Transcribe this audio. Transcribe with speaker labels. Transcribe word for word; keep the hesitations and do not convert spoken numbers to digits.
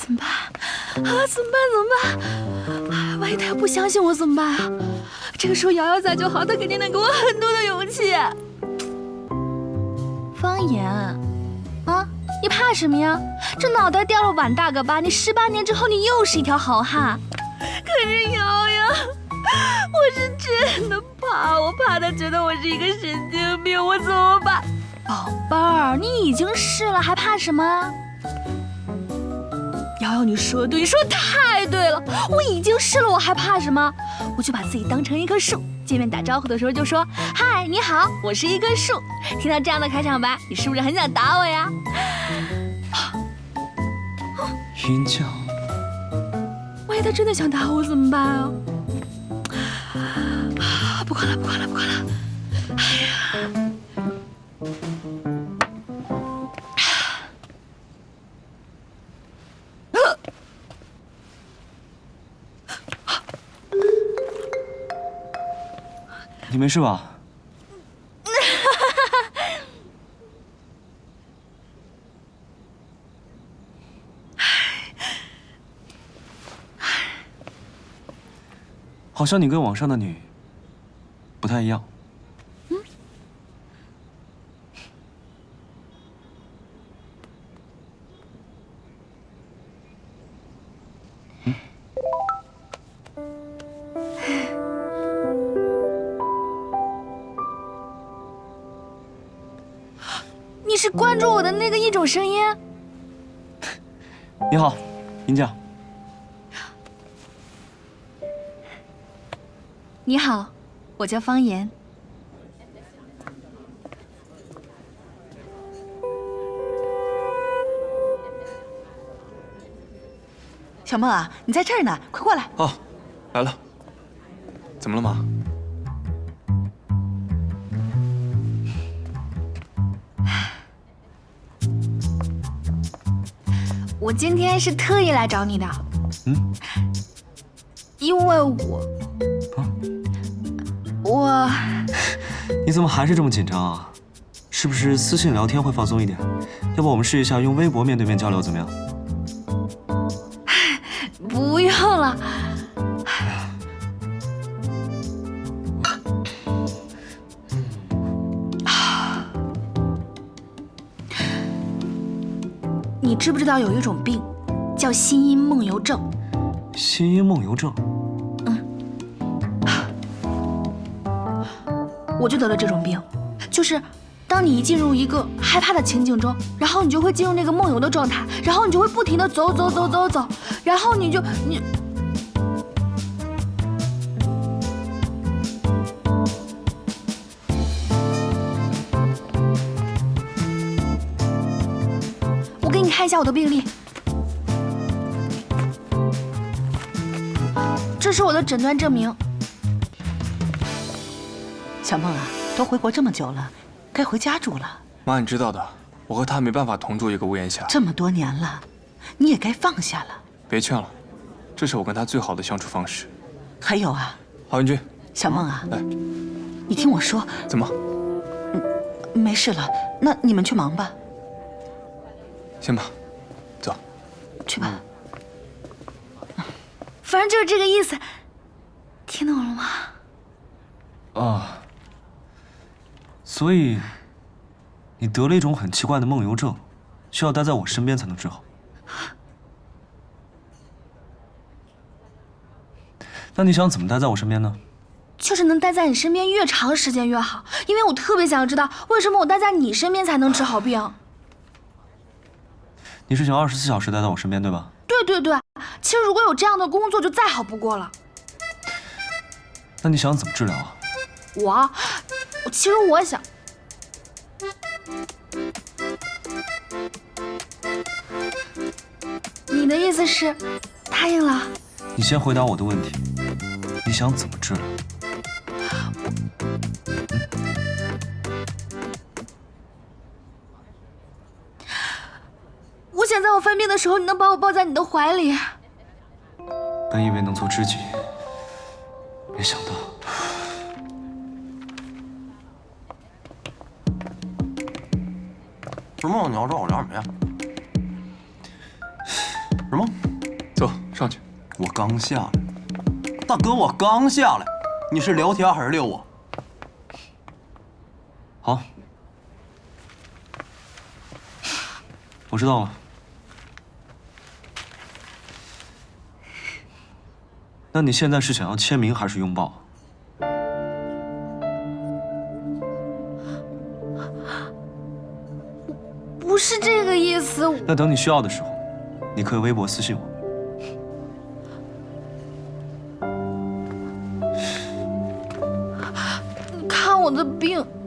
Speaker 1: 怎么办？啊，怎么办？怎么办？啊，万一他要不相信我怎么办啊？这个时候瑶瑶在就好，她肯定能给我很多的勇气。方言，啊，你怕什么呀？这脑袋掉了碗大个疤，你十八年之后你又是一条好汉。可是瑶瑶，我是真的怕，我怕他觉得我是一个神经病，我怎么办？宝贝儿，你已经试了，还怕什么？瑶瑶，你说的对，你说的太对了，我已经试了，我还怕什么？我就把自己当成一棵树，见面打招呼的时候就说：“嗨，你好，我是一棵树。”听到这样的开场白，你是不是很想打我呀？
Speaker 2: 云娇，
Speaker 1: 万一他真的想打我怎么办啊？啊，不管了，不管了，不管了。哎呀！
Speaker 2: 你没事吧？好像你跟网上的你不太一样。嗯。嗯。
Speaker 1: 你是关注我的那个一种声音？
Speaker 2: 你好，云娇。
Speaker 1: 你好，我叫方言。
Speaker 3: 小梦啊，你在这儿呢，快过来。
Speaker 2: 哦，来了。怎么了，妈？
Speaker 1: 我今天是特意来找你的。
Speaker 2: 嗯。
Speaker 1: 因为我。
Speaker 2: 啊。
Speaker 1: 我，
Speaker 2: 你怎么还是这么紧张啊？是不是私信聊天会放松一点？要不我们试一下用微博面对面交流，怎么样？
Speaker 1: 不用了。你知不知道有一种病，叫心因梦游症？
Speaker 2: 心因梦游症。
Speaker 1: 我就得了这种病，就是当你一进入一个害怕的情景中，然后你就会进入那个梦游的状态，然后你就会不停地走走走走走，然后你就你。我给你看一下我的病历，这是我的诊断证明。
Speaker 3: 小梦啊，都回国这么久了，该回家住了。
Speaker 4: 妈，你知道的，我和他没办法同住一个屋檐下。
Speaker 3: 这么多年了，你也该放下了。
Speaker 4: 别劝了，这是我跟他最好的相处方式。
Speaker 3: 还有啊，
Speaker 4: 郝云君，
Speaker 3: 小梦啊，
Speaker 4: 来，
Speaker 3: 你听我说。
Speaker 4: 怎么？
Speaker 3: 嗯，没事了，那你们去忙吧。
Speaker 4: 行吧，走。
Speaker 3: 去吧。
Speaker 1: 嗯、反正就是这个意思，听懂了吗？
Speaker 2: 啊。所以，你得了一种很奇怪的梦游症，需要待在我身边才能治好。那你想怎么待在我身边呢？
Speaker 1: 就是能待在你身边越长时间越好，因为我特别想知道为什么我待在你身边才能治好病。
Speaker 2: 你是想二十四小时待在我身边，对吧？
Speaker 1: 对对对，其实如果有这样的工作就再好不过了。
Speaker 2: 那你想怎么治疗啊？
Speaker 1: 我。其实我想，你的意思是答应了？
Speaker 2: 你先回答我的问题，你想怎么治疗？
Speaker 1: 我想在我犯病的时候，你能把我抱在你的怀里。
Speaker 2: 本以为能做知己，没想到。
Speaker 5: 什么？你要找我聊什么呀？什么？
Speaker 4: 上去。
Speaker 5: 我刚下来，大哥，我刚下来，你是聊天还是遛我？
Speaker 2: 好，我知道了。那你现在是想要签名还是拥抱？
Speaker 1: 不是这个意思。
Speaker 2: 那等你需要的时候，你可以微博私信我。
Speaker 1: 看我的病。